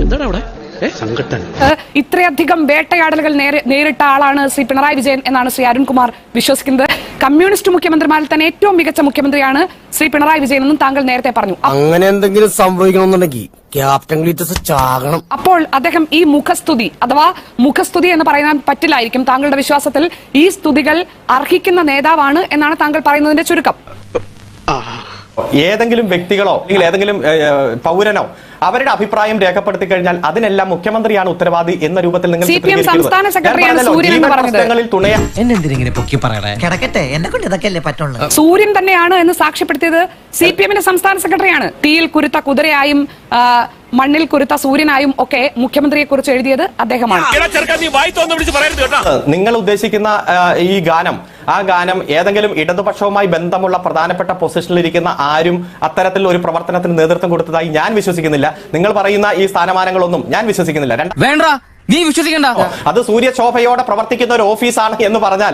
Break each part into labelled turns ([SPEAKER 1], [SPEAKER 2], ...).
[SPEAKER 1] എന്താണ് അവിടെ സംഘട്ടൻ?
[SPEAKER 2] ഇത്രയധികം വേട്ടയാടലുകൾ നേരിട്ട ആളാണ് ശ്രീ പിണറായി വിജയൻ എന്നാണ് ശ്രീ അരുൺകുമാർ വിശ്വസിക്കുന്നത്. കമ്മ്യൂണിസ്റ്റ് മുഖ്യമന്ത്രിമാരിൽ തന്നെ ഏറ്റവും മികച്ച മുഖ്യമന്ത്രിയാണ് ശ്രീ പിണറായി വിജയൻ എന്നും താങ്കൾ നേരത്തെ പറഞ്ഞു.
[SPEAKER 3] അങ്ങനെ എന്തെങ്കിലും സംഭവിക്കണമെന്നുണ്ടെങ്കിൽ ക്യാപ്റ്റൻ ഗ്ലീറ്റസ് ചാകണം.
[SPEAKER 2] അപ്പോൾ അദ്ദേഹം ഈ മുഖസ്തുതി അഥവാ മുഖസ്തുതി എന്ന് പറയാൻ പറ്റില്ലായിരിക്കും. താങ്കളുടെ വിശ്വാസത്തിൽ ഈ സ്തുതികൾ അർഹിക്കുന്ന നേതാവാണ് എന്നാണ് താങ്കൾ പറയുന്നതിന്റെ ചുരുക്കം.
[SPEAKER 4] ഏതെങ്കിലും വ്യക്തികളോ അല്ലെങ്കിൽ ഏതെങ്കിലും പൗരനോ അവരുടെ അഭിപ്രായം രേഖപ്പെടുത്തി കഴിഞ്ഞാൽ അതിനെല്ലാം മുഖ്യമന്ത്രിയാണ് ഉത്തരവാദി എന്ന രൂപത്തിൽ നിങ്ങൾ
[SPEAKER 2] സൂര്യൻ തന്നെയാണ് എന്ന് സാക്ഷ്യപ്പെടുത്തിയത് CPM-ന്റെ സംസ്ഥാന സെക്രട്ടറിയാണ്. തീയിൽ കുരുത്ത കുതിരയായും മണ്ണിൽ കുരുത്ത സൂര്യനായും ഒക്കെ മുഖ്യമന്ത്രിയെ കുറിച്ച് എഴുതിയത് അദ്ദേഹമാണ്.
[SPEAKER 4] നിങ്ങൾ ഉദ്ദേശിക്കുന്ന ഈ ഗാനം, ആ ഗാനം ഏതെങ്കിലും ഇടതുപക്ഷവുമായി ബന്ധമുള്ള പ്രധാനപ്പെട്ട പൊസിഷനിലിരിക്കുന്ന ആരും അത്തരത്തിൽ ഒരു പ്രവർത്തനത്തിന് നേതൃത്വം കൊടുത്തതായി ഞാൻ വിശ്വസിക്കുന്നില്ല. നിങ്ങൾ പറയുന്ന ഈ സ്ഥാനമാനങ്ങളൊന്നും ഞാൻ വിശ്വസിക്കുന്നില്ല.
[SPEAKER 5] നീ വിശ്വസിക്കണ്ട.
[SPEAKER 4] അത് സൂര്യശോഭയോടെ പ്രവർത്തിക്കുന്ന ഒരു ഓഫീസാണ് എന്ന് പറഞ്ഞാൽ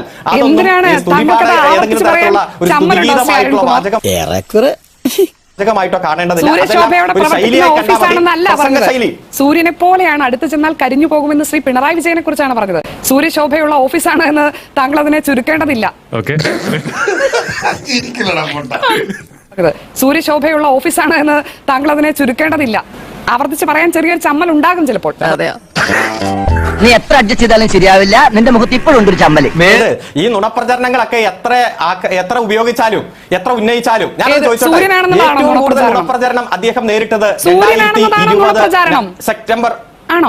[SPEAKER 2] സൂര്യനെ പോലെയാണ് അടുത്ത് ചെന്നാൽ കരിഞ്ഞു പോകുമെന്ന് ശ്രീ പിണറായി വിജയനെ കുറിച്ചാണ് പറഞ്ഞത്. സൂര്യശോഭയുള്ള ഓഫീസാണ് എന്ന് താങ്കൾ അതിനെ ചുരുക്കേണ്ടതില്ല. സൂര്യശോഭയുള്ള ഓഫീസാണ് എന്ന് താങ്കൾ അതിനെ ചുരുക്കേണ്ടതില്ല. ആവർത്തിച്ച് പറയാൻ ചെറിയൊരു ചമ്മൽ ഉണ്ടാകും ചിലപ്പോൾ.
[SPEAKER 6] നീ എത്ര അഡ്ജസ്റ്റ് ചെയ്താലും ശരിയാവില്ല. നിന്റെ മുഖത്ത് ഇപ്പോഴും ഉണ്ട് ഒരു ചമ്മല്.
[SPEAKER 4] ഈ നുണപ്രചരണങ്ങളൊക്കെ എത്ര ഉപയോഗിച്ചാലും എത്ര ഉന്നയിച്ചാലും ഞാൻ നുണപ്രചരണം അദ്ദേഹം നേരിട്ടത് 2020 സെപ്റ്റംബർ
[SPEAKER 2] ആണോ?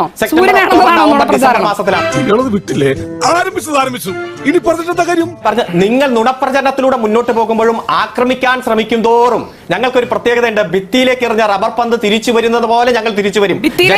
[SPEAKER 4] നിങ്ങൾ നുണപ്രചരണത്തിലൂടെ മുന്നോട്ട് പോകുമ്പോഴും ആക്രമിക്കാൻ ശ്രമിക്കും തോറും ഞങ്ങൾക്കൊരു പ്രത്യേകതയുണ്ട്. ഭിത്തിയിലേക്ക് എറിഞ്ഞ റബ്ബർ പന്ത് തിരിച്ചു വരുന്നത് പോലെ ഞങ്ങൾ തിരിച്ചു വരും.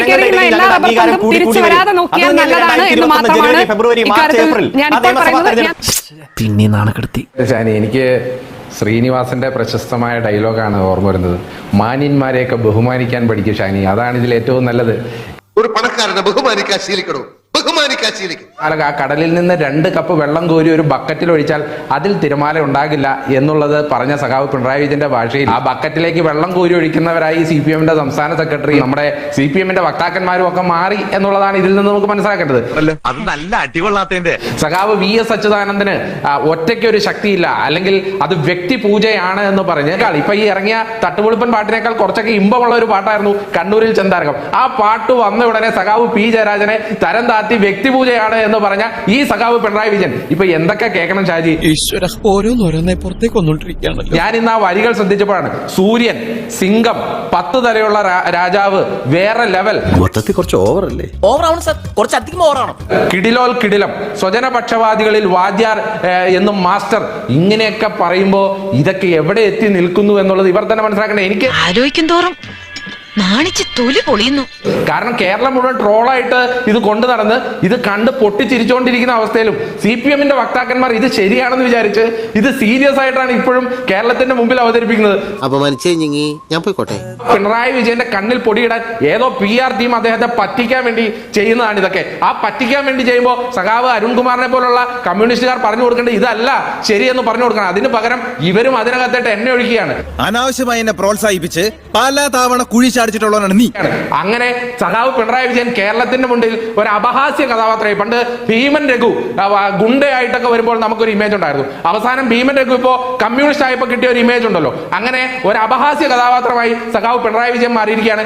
[SPEAKER 4] ഫെബ്രുവരി, മാർച്ച്, ഏപ്രിൽ
[SPEAKER 1] പിന്നെ നാണക്കെടുത്തി.
[SPEAKER 7] എനിക്ക് ശ്രീനിവാസന്റെ പ്രശസ്തമായ ഡയലോഗാണ് ഓർമ്മ വരുന്നത്. മാന്യന്മാരെയൊക്കെ ബഹുമാനിക്കാൻ പഠിക്കും ഷാനി. അതാണ് ഇതിൽ ഏറ്റവും നല്ലത്.
[SPEAKER 8] ഒരു പണക്കാരനെ ബഹുമാനിക്കാൻ ശീലിക്കണോ?
[SPEAKER 7] ആ കടലിൽ നിന്ന് 2 കപ്പ് വെള്ളം കോരി ഒരു ബക്കറ്റിൽ ഒഴിച്ചാൽ അതിൽ തിരമാല ഉണ്ടാകില്ല എന്നുള്ളത് പറഞ്ഞ സഖാവ് പിണറായി വിജയന്റെ ഭാഷയിൽ ആ ബക്കറ്റിലേക്ക് വെള്ളം കോരി ഒഴിക്കുന്നവരായി CPM-ന്റെ സംസ്ഥാന സെക്രട്ടറി, നമ്മുടെ CPM-ന്റെ വക്താക്കന്മാരും ഒക്കെ മാറി എന്നുള്ളതാണ് ഇതിൽ നിന്ന് നമുക്ക് മനസ്സിലാക്കേണ്ടത്.
[SPEAKER 8] അത് നല്ല അടികൊള്ളാത്തതിന്റെ
[SPEAKER 7] സഖാവ് VS അച്യുതാനന്ദന് ഒറ്റയ്ക്ക് ഒരു ശക്തിയില്ല, അല്ലെങ്കിൽ അത് വ്യക്തി പൂജയാണ് എന്ന് പറഞ്ഞ് ഇപ്പൊ ഈ ഇറങ്ങിയ തട്ടുപൊളിപ്പൻ പാട്ടിനേക്കാൾ കുറച്ചൊക്കെ ഇമ്പമുള്ള ഒരു പാട്ടായിരുന്നു കണ്ണൂരിൽ ചെന്താരകം. ആ പാട്ട് വന്ന ഉടനെ സഖാവ് P ജയരാജനെ തരം താത്തി വ്യക്തിപൂജയാണ് എന്ന് പറഞ്ഞ ഈ സഖാവ് പിണറായി വിജയൻ ഇപ്പൊ എന്തൊക്കെ കേൾക്കണം ഷാജി?
[SPEAKER 1] ഓരോന്നോരോന്നെ പുറത്തേക്ക് വന്നോണ്ടിരിക്കുകയാണല്ലോ.
[SPEAKER 7] ഞാൻ ഇന്ന് ആ വരികൾ ശ്രദ്ധിച്ചപ്പോഴാണ് സൂര്യൻ, സിംഗം, 10 തലയുള്ള രാജാവ്, വേറെ ലെവൽ.
[SPEAKER 1] മൊത്തത്തിൽ കുറച്ച് ഓവറല്ലേ?
[SPEAKER 5] ഓവറാണ് സർ, കുറച്ചധികം ഓവറാണ്.
[SPEAKER 7] കിടിലോൽ കിടിലം, സ്വജനപക്ഷപാതികളിൽ വാദ്യാർ എന്നും മാസ്റ്റർ, ഇങ്ങനെയൊക്കെ പറയുമ്പോ ഇതൊക്കെ എവിടെ എത്തി നിൽക്കുന്നു എന്നുള്ളത് ഇവർ തന്നെ മനസ്സിലാക്കണ്ടേ. എനിക്ക്
[SPEAKER 9] ആലോചിക്കും തോറും നാണിച്ച് തൊലി പൊളിയുന്നു.
[SPEAKER 7] കാരണം കേരളം മുഴുവൻ ട്രോളായിട്ട് ഇത് കൊണ്ടു നടന്ന് ഇത് കണ്ട് പൊട്ടിച്ചിരിച്ചുകൊണ്ടിരിക്കുന്ന അവസ്ഥയിലും CPM-ന്റെ വക്താക്കന്മാർ ഇത് ശരിയാണെന്ന് വിചാരിച്ച് ഇത് സീരിയസ് ആയിട്ടാണ് ഇപ്പോഴും കേരളത്തിന്റെ മുമ്പിൽ അവതരിപ്പിക്കുന്നത്.
[SPEAKER 3] ഞാൻ പോയിക്കോട്ടെ.
[SPEAKER 7] പിണറായി വിജയന്റെ കണ്ണിൽ പൊടിയിടാൻ ഏതോ PR ടീം അദ്ദേഹത്തെ പറ്റിക്കാൻ വേണ്ടി ചെയ്യുന്നതാണ് ഇതൊക്കെ. ആ പറ്റിക്കാൻ വേണ്ടി ചെയ്യുമ്പോൾ സഖാവ് അരുൺകുമാറിനെ പോലുള്ള കമ്മ്യൂണിസ്റ്റുകാർ പറഞ്ഞു കൊടുക്കേണ്ടത് ഇതല്ല ശരിയെന്ന് പറഞ്ഞു കൊടുക്കണം. അതിന് പകരം ഇവരും അതിനകത്തേട്ട് എണ്ണ ഒഴിക്കുകയാണ്.
[SPEAKER 10] അനാവശ്യമായി എന്നെ പ്രോത്സാഹിപ്പിച്ച് പല തവണ കുഴി നീ.
[SPEAKER 7] അങ്ങനെ സഖാവ് പിണറായി വിജയൻ കേരളത്തിന്റെ മുന്നിൽ ഒരു അപഹാസ്യ കഥാപാത്രമായി. പണ്ട് ഭീമൻ രഘു ഗുണ്ടയായിട്ടൊക്കെ വരുമ്പോൾ നമുക്കൊരു ഇമേജ് ഉണ്ടായിരുന്നു. അവസാനം ഭീമൻ രഘു ഇപ്പോ കമ്മ്യൂണിസ്റ്റ് ആയപ്പോ കിട്ടിയ ഒരു ഇമേജ് ഉണ്ടല്ലോ. അങ്ങനെ ഒരു അപഹാസ്യ കഥാപാത്രമായി സഖാവ് പിണറായി വിജയൻ മാറിയിരിക്കുകയാണ്.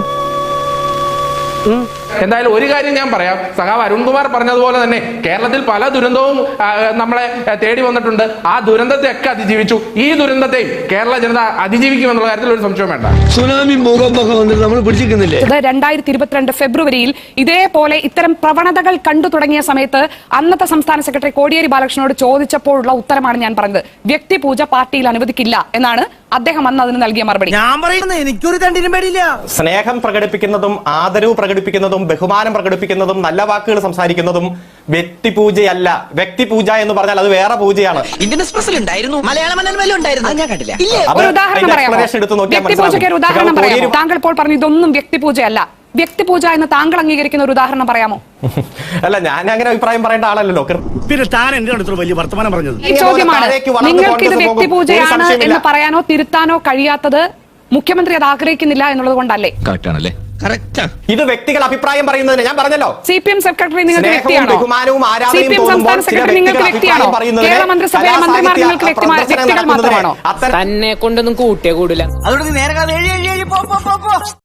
[SPEAKER 7] എന്തായാലും ഒരു കാര്യം ഞാൻ പറയാം, സഖാവ് അരുൺകുമാർ പറഞ്ഞതുപോലെ തന്നെ കേരളത്തിൽ പല ദുരന്തവും നമ്മളെ തേടി വന്നിട്ടുണ്ട്. ആ ദുരന്തത്തെ ഒക്കെ അതിജീവിച്ചു. ഈ ദുരന്തത്തെയും കേരള ജനത അതിജീവിക്കുമെന്നുള്ള കാര്യത്തിൽ ഒരു സംശയം വേണ്ട.
[SPEAKER 1] സുനാമി ഭൂകമ്പൊക്കെ വന്നിട്ട് നമ്മൾ പിടിച്ചിരിക്കുന്നില്ലേ?
[SPEAKER 2] 2022 ഫെബ്രുവരിയിൽ ഇതേപോലെ ഇത്തരം പ്രവണതകൾ കണ്ടു തുടങ്ങിയ സമയത്ത് അന്നത്തെ സംസ്ഥാന സെക്രട്ടറി കോടിയേരി ബാലകൃഷ്ണനോട് ചോദിച്ചപ്പോഴുള്ള ഉത്തരമാണ് ഞാൻ പറഞ്ഞത്. വ്യക്തിപൂജ പാർട്ടിയിൽ അനുവദിക്കില്ല എന്നാണ് അദ്ദേഹം അന്ന് അതിന് നൽകിയ മറുപടി.
[SPEAKER 5] ഞാൻ പറയുന്നത് എനിക്കൊരു തണ്ടിനും പേടിയില്ല.
[SPEAKER 4] സ്നേഹം പ്രകടിപ്പിക്കുന്നതും ആദരവ് പ്രകടിപ്പിക്കുന്നതും ബഹുമാനം പ്രകടിപ്പിക്കുന്നതും നല്ല വാക്കുകൾ സംസാരിക്കുന്നതും വ്യക്തിപൂജയല്ല. വ്യക്തിപൂജ എന്ന് പറഞ്ഞാൽ അത് വേറെ പൂജയാണ്.
[SPEAKER 5] ഇന്ത്യൻ എക്സ്പ്രസിൽ ഉണ്ടായിരുന്നു, മലയാള മനോരമയിൽ ഉണ്ടായിരുന്നു, ഞാൻ കണ്ടില്ല.
[SPEAKER 2] ഒരു ഉദാഹരണം പറയാമോ? വ്യക്തിപൂജയ്ക്ക് ഒരു ഉദാഹരണം പറയാമോ? താങ്കൾ ഇപ്പോൾ പറഞ്ഞു ഇതൊന്നും വ്യക്തിപൂജയല്ല. വ്യക്തിപൂജ എന്ന് താങ്കൾ അംഗീകരിക്കുന്ന ഒരു ഉദാഹരണം പറയാമോ?
[SPEAKER 4] അല്ല, ഞാൻ അങ്ങനെ അഭിപ്രായം പറയേണ്ട ആളല്ലോ.
[SPEAKER 1] പിന്നെ താൻ എന്റെ അടുത്ത് വലിയ വർത്തമാനം പറഞ്ഞത്
[SPEAKER 2] ഈ ചോദ്യമാണ്. നിങ്ങൾക്ക് ഇത് വ്യക്തിപൂജയാണ് എന്ന് പറയാനോ തിരുത്താനോ കഴിയാത്തത് മുഖ്യമന്ത്രി അത് ആഗ്രഹിക്കുന്നില്ല എന്നുള്ളത് കൊണ്ടല്ലേ?
[SPEAKER 10] കറക്റ്റ് ആണല്ലേ?
[SPEAKER 4] ഇത് വ്യക്തികൾ അഭിപ്രായം പറയുന്നതിന് ഞാൻ പറഞ്ഞല്ലോ
[SPEAKER 2] CPM സെക്രട്ടറി നിങ്ങൾക്ക്
[SPEAKER 4] സ്നേഹവും
[SPEAKER 2] വ്യക്തിയാണോ?
[SPEAKER 4] ബഹുമാനവും ആരാധനയും
[SPEAKER 2] CPM
[SPEAKER 4] തോന്നുമ്പോൾ
[SPEAKER 2] സംസ്ഥാന
[SPEAKER 4] ചില
[SPEAKER 2] സെക്രട്ടറി നിങ്ങൾക്ക്
[SPEAKER 4] വ്യക്തികൾ
[SPEAKER 2] വ്യക്തിയാണോ?
[SPEAKER 4] അഭിപ്രായം പറയുന്നതിന്
[SPEAKER 2] കേരള മന്ത്രിസഭയിലെ മന്ത്രിമാർ നിങ്ങൾക്ക് വ്യക്തികൾ മാത്രമാണോ?
[SPEAKER 5] തന്നെ കൊണ്ടൊന്നും കൂട്ടിയേ കൂടില്ല.
[SPEAKER 6] അതുകൊണ്ട് നീ നേരെ